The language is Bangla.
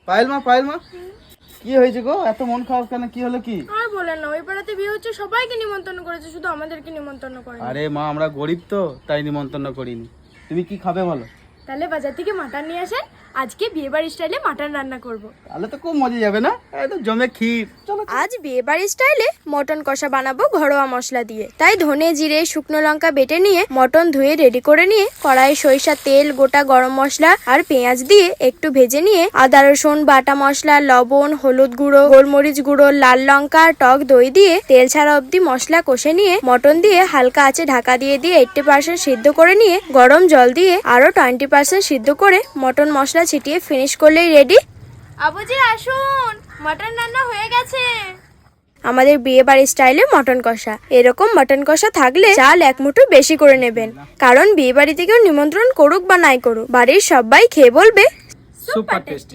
পায়েল মা কি হয়েছে গো, এত মন খারাপ কেন? কি হলো কি? আর বলেন না, ওই পাড়াতে বিয়ে হচ্ছে, সবাইকে নিমন্ত্রণ করেছে, শুধু আমাদেরকে নিমন্ত্রণ করে। আরে মা, আমরা গরিব তো, তাই নিমন্ত্রণ করিনি। তুমি কি খাবে বলো? তাহলে বাজার থেকে মাটন নিয়ে আসেন, আজকে বিয়ে বাড়ির স্টাইলে মাটন রান্না করব। তাহলে তো খুব মজা যাবে না? একদম জমে ক্ষীর। চলো। আজ বিয়ে বাড়ির স্টাইলে মটন কষা বানাবো ঘরোয়া মশলা দিয়ে। তাই ধনে জিরে শুকনো লঙ্কা বেটে নিয়ে মটন ধুয়ে রেডি করে নিয়ে কড়াই সরিষা তেল গোটা গরম মশলা আর পেঁয়াজ দিয়ে একটু ভেজে নিয়ে আদা রসুন বাটা মশলা লবণ হলুদ গুঁড়ো গোলমরিচ গুঁড়ো লাল লঙ্কা আর টক দই দিয়ে তেল ছাড়া অবধি মশলা কষে নিয়ে মটন দিয়ে হালকা আঁচে ঢাকা দিয়ে 80% সিদ্ধ করে নিয়ে গরম জল দিয়ে আরো 20% সিদ্ধ করে মটন মশলা ছিটিয়ে ফিনিশ করলেই রেডি। আবুজি আসুন, মটন রান্না হয়ে গেছে। আমাদের বিয়ে বাড়ির স্টাইলে মটন কষা। এরকম মটন কষা থাকলে চাল এক মুঠো বেশি করে নেবেন, কারণ বিয়ে বাড়ি থেকেও নিমন্ত্রণ করুক বা নাই করুক, বাড়ির সবাই খেয়ে বলবে সুপার টেস্টি।